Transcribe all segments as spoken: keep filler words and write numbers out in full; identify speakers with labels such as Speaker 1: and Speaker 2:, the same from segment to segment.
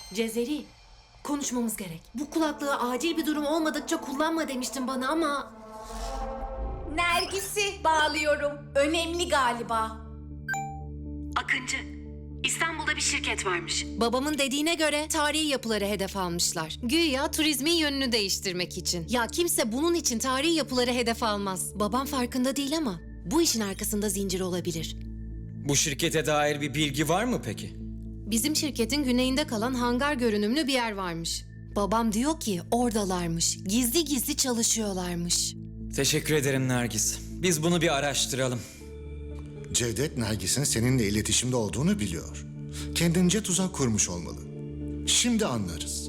Speaker 1: Cezeri, konuşmamız gerek. Bu kulaklığı acil bir durum olmadıkça kullanma demiştin bana ama...
Speaker 2: Nergis'i bağlıyorum. Önemli galiba.
Speaker 1: Akıncı, İstanbul'da bir şirket varmış. Babamın dediğine göre tarihi yapıları hedef almışlar. Güya turizmin yönünü değiştirmek için. Ya kimse bunun için tarihi yapıları hedef almaz. Babam farkında değil ama bu işin arkasında zincir olabilir.
Speaker 3: Bu şirkete dair bir bilgi var mı peki?
Speaker 1: Bizim şirketin güneyinde kalan hangar görünümlü bir yer varmış. Babam diyor ki oradalarmış. Gizli gizli çalışıyorlarmış.
Speaker 3: Teşekkür ederim Nergis. Biz bunu bir araştıralım.
Speaker 4: Cevdet, Nergis'in seninle iletişimde olduğunu biliyor. Kendince tuzak kurmuş olmalı. Şimdi anlarız.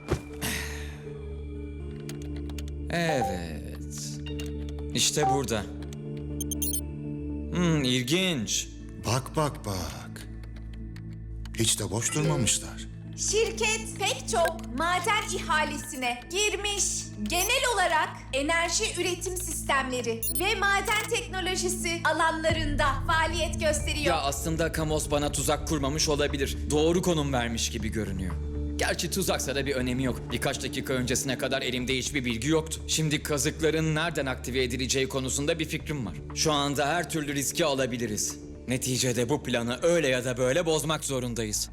Speaker 3: Evet. İşte burada. Hmm, ilginç.
Speaker 4: Bak bak bak. Hiç de boş durmamışlar.
Speaker 2: Şirket pek çok maden ihalesine girmiş. Genel olarak enerji üretim sistemleri ve maden teknolojisi alanlarında faaliyet gösteriyor.
Speaker 3: Ya aslında Kamos bana tuzak kurmamış olabilir. Doğru konum vermiş gibi görünüyor. Gerçi tuzaksa da bir önemi yok. Birkaç dakika öncesine kadar elimde hiçbir bilgi yoktu. Şimdi kazıkların nereden aktive edileceği konusunda bir fikrim var. Şu anda her türlü riski alabiliriz. Neticede bu planı öyle ya da böyle bozmak zorundayız.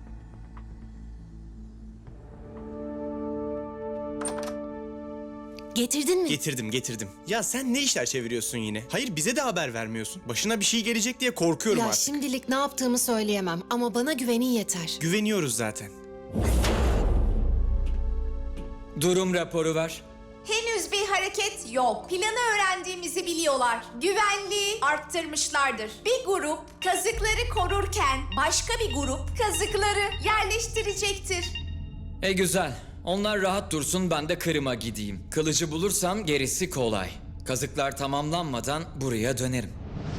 Speaker 1: Getirdin mi?
Speaker 5: Getirdim getirdim. Ya sen ne işler çeviriyorsun yine? Hayır bize de haber vermiyorsun. Başına bir şey gelecek diye korkuyorum
Speaker 1: Ya
Speaker 5: artık.
Speaker 1: şimdilik ne yaptığımı söyleyemem ama bana güvenin yeter.
Speaker 5: Güveniyoruz zaten.
Speaker 3: Durum raporu ver.
Speaker 2: Henüz bir hareket yok. Planı öğrendiğimizi biliyorlar. Güvenliği arttırmışlardır. Bir grup kazıkları korurken başka bir grup kazıkları yerleştirecektir.
Speaker 3: E güzel. Onlar rahat dursun, ben de Kırım'a gideyim. Kılıcı bulursam gerisi kolay. Kazıklar tamamlanmadan buraya dönerim.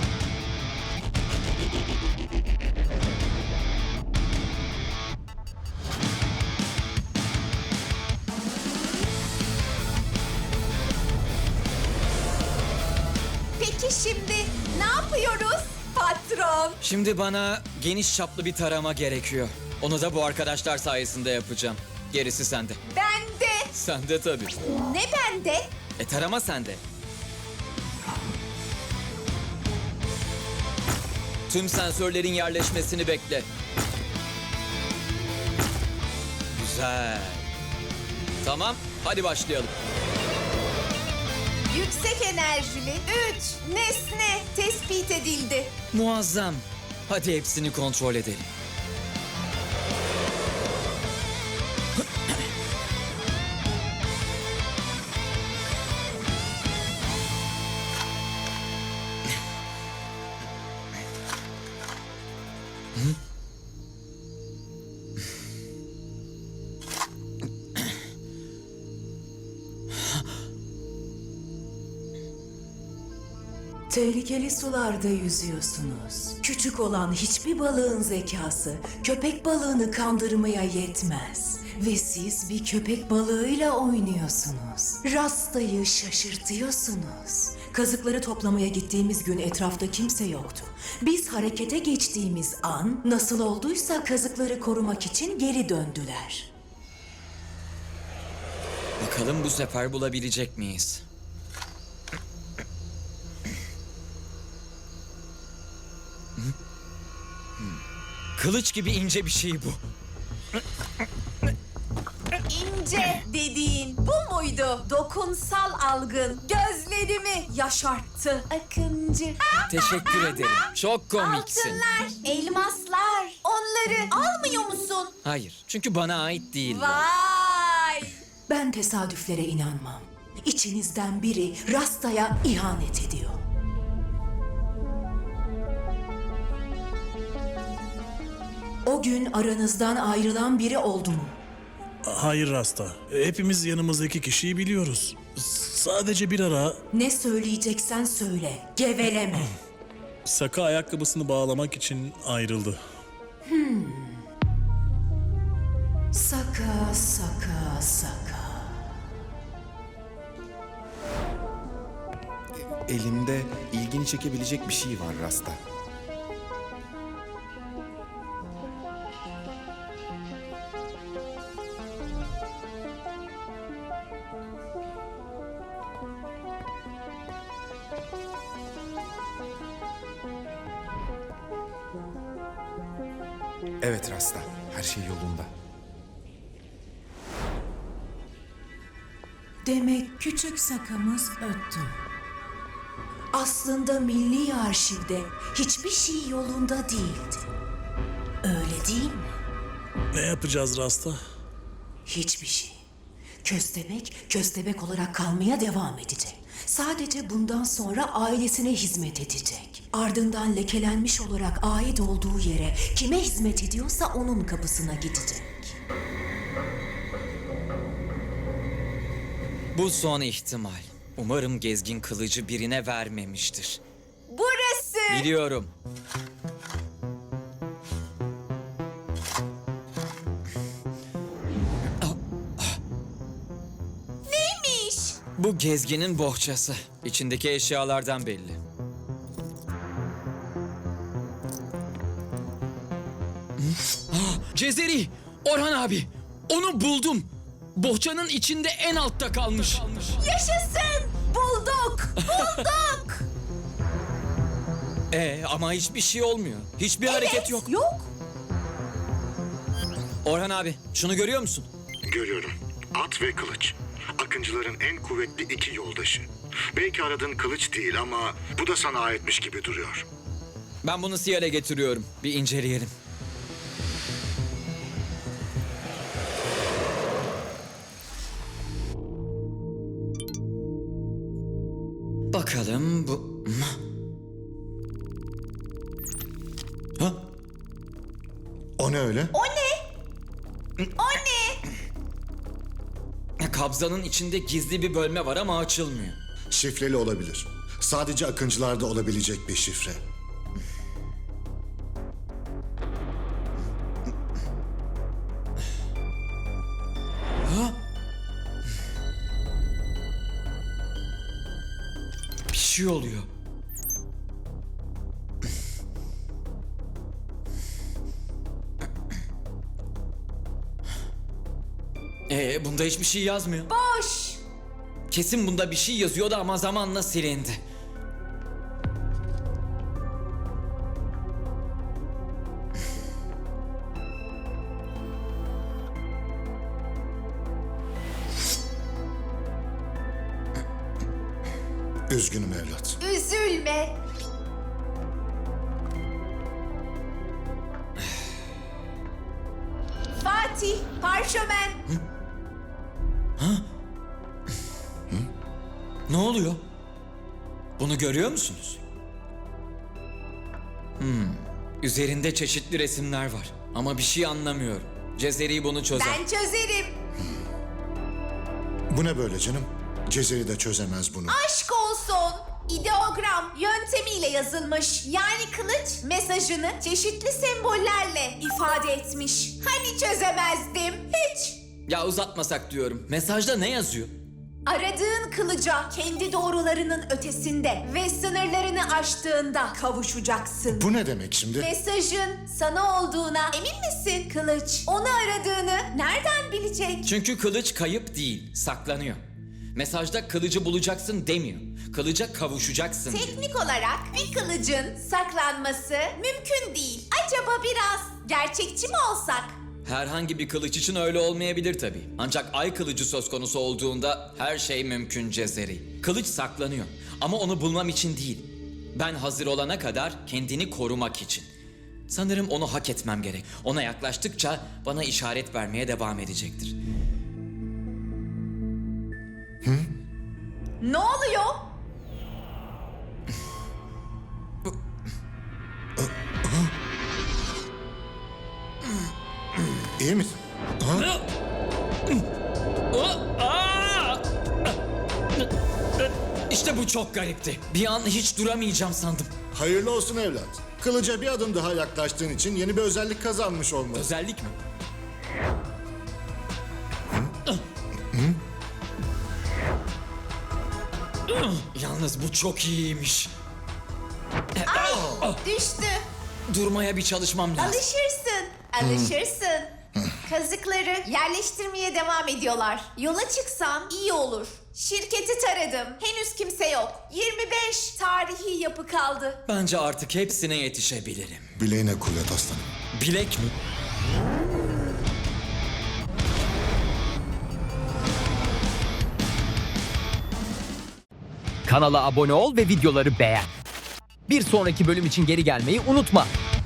Speaker 2: Peki şimdi ne yapıyoruz patron?
Speaker 3: Şimdi bana geniş çaplı bir tarama gerekiyor. Onu da bu arkadaşlar sayesinde yapacağım. Gerisi sende.
Speaker 2: Ben de.
Speaker 3: Sende tabii.
Speaker 2: Ne bende?
Speaker 3: E tarama sende. Tüm sensörlerin yerleşmesini bekle. Güzel. Tamam, hadi başlayalım.
Speaker 2: Yüksek enerjili üç nesne tespit edildi.
Speaker 3: Muazzam. Hadi hepsini kontrol edelim.
Speaker 6: Tehlikeli sularda yüzüyorsunuz. Küçük olan hiçbir balığın zekası köpek balığını kandırmaya yetmez. Ve siz bir köpek balığıyla oynuyorsunuz. Rastayı şaşırtıyorsunuz. Kazıkları toplamaya gittiğimiz gün etrafta kimse yoktu. Biz harekete geçtiğimiz an nasıl olduysa kazıkları korumak için geri döndüler.
Speaker 3: Bakalım bu sefer bulabilecek miyiz? Kılıç gibi ince bir şey bu.
Speaker 2: İnce dediğin bu muydu? Dokunsal algın gözlerimi yaşarttı. Akıncı.
Speaker 3: Teşekkür ederim. Çok komiksin.
Speaker 2: Altınlar, elmaslar. Onları almıyor musun?
Speaker 3: Hayır, çünkü bana ait değil.
Speaker 2: Vay!
Speaker 6: Ben tesadüflere inanmam. İçinizden biri Rasta'ya ihanet ediyor. O gün aranızdan ayrılan biri oldu mu?
Speaker 7: Hayır Rasta. Hepimiz yanımızdaki kişiyi biliyoruz. S- Sadece bir ara
Speaker 6: Ne söyleyeceksen söyle, geveleme.
Speaker 7: Saka ayakkabısını bağlamak için ayrıldı.
Speaker 6: Saka, saka, saka.
Speaker 8: Elimde ilgini çekebilecek bir şey var Rasta. Evet Rasta, her şey yolunda.
Speaker 6: Demek küçük sakamız öttü. Aslında Milli Arşiv'de hiçbir şey yolunda değildi. Öyle değil mi?
Speaker 7: Ne yapacağız Rasta?
Speaker 6: Hiçbir şey. Köstebek, köstebek olarak kalmaya devam edecek. Sadece bundan sonra ailesine hizmet edecek. Ardından lekelenmiş olarak ait olduğu yere kime hizmet ediyorsa onun kapısına gidecek.
Speaker 3: Bu son ihtimal. Umarım gezgin kılıcı birine vermemiştir.
Speaker 2: Burası.
Speaker 3: Biliyorum.
Speaker 2: Neymiş?
Speaker 3: Bu gezginin bohçası. İçindeki eşyalardan belli. Hı? Ah, Cezeri! Orhan abi! Onu buldum! Bohçanın içinde en altta kalmış.
Speaker 2: Yaşasın. Bulduk. Bulduk.
Speaker 3: Ee, ama hiçbir şey olmuyor. Hiçbir hareket
Speaker 2: Evet,
Speaker 3: yok.
Speaker 2: Yok.
Speaker 3: Orhan abi, şunu görüyor musun?
Speaker 4: Görüyorum. At ve kılıç. Akıncıların en kuvvetli iki yoldaşı. Belki aradığın kılıç değil ama bu da sana aitmiş gibi duruyor.
Speaker 3: Ben bunu Siyer'e getiriyorum. Bir inceleyelim. Bakalım bu... Ha?
Speaker 4: O ne öyle?
Speaker 2: O ne? O ne?
Speaker 3: Kabzanın içinde gizli bir bölme var ama açılmıyor.
Speaker 4: Şifreli olabilir. Sadece akıncılarda olabilecek bir şifre.
Speaker 3: Bir şey oluyor. Ee, bunda hiçbir şey yazmıyor.
Speaker 2: Boş.
Speaker 3: Kesin bunda bir şey yazıyordu ama zamanla silindi.
Speaker 4: Üzgünüm evlat.
Speaker 2: Üzülme. Fatih, parşömen.
Speaker 3: Ne oluyor? Bunu görüyor musunuz? Hmm. Üzerinde çeşitli resimler var. Ama bir şey anlamıyorum. Cezeri bunu çözer.
Speaker 2: Ben çözerim.
Speaker 4: Bu ne böyle canım? Cezeri de çözemez bunu.
Speaker 2: Aşk olsun. İdeogram yöntemiyle yazılmış. Yani kılıç mesajını çeşitli sembollerle ifade etmiş. Hani çözemezdim? Hiç.
Speaker 3: Ya uzatmasak diyorum. Mesajda ne yazıyor?
Speaker 2: Aradığın kılıca kendi doğrularının ötesinde ve sınırlarını aştığında kavuşacaksın.
Speaker 4: Bu ne demek şimdi?
Speaker 2: Mesajın sana olduğuna emin misin Kılıç? Onu aradığını nereden bilecek?
Speaker 3: Çünkü kılıç kayıp değil, saklanıyor. Mesajda kılıcı bulacaksın demiyor. Kılıca kavuşacaksın diyor.
Speaker 2: Teknik olarak bir kılıcın saklanması mümkün değil. Acaba biraz gerçekçi mi olsak?
Speaker 3: Herhangi bir kılıç için öyle olmayabilir tabii. Ancak ay kılıcı söz konusu olduğunda her şey mümkün Cezeri. Kılıç saklanıyor ama onu bulmam için değil. Ben hazır olana kadar kendini korumak için. Sanırım onu hak etmem gerek. Ona yaklaştıkça bana işaret vermeye devam edecektir.
Speaker 2: Ne oluyor?
Speaker 4: İyi misin? Ha?
Speaker 3: İşte bu çok garipti. Bir an hiç duramayacağım sandım.
Speaker 4: Hayırlı olsun evlat. Kılıca bir adım daha yaklaştığın için yeni bir özellik kazanmış olmalı.
Speaker 3: Özellik mi? Yalnız bu çok iyiymiş.
Speaker 2: Düştü.
Speaker 3: Durmaya bir çalışmam lazım.
Speaker 2: Alışırsın. Alışırsın. Kazıkları yerleştirmeye devam ediyorlar. Yola çıksan iyi olur. Şirketi taradım. Henüz kimse yok. yirmi beş tarihi yapı kaldı.
Speaker 3: Bence artık hepsine yetişebilirim.
Speaker 4: Bileğine kuvvet aslanım.
Speaker 3: Bilek mi?
Speaker 9: Kanala abone ol ve videoları beğen. Bir sonraki bölüm için geri gelmeyi unutma.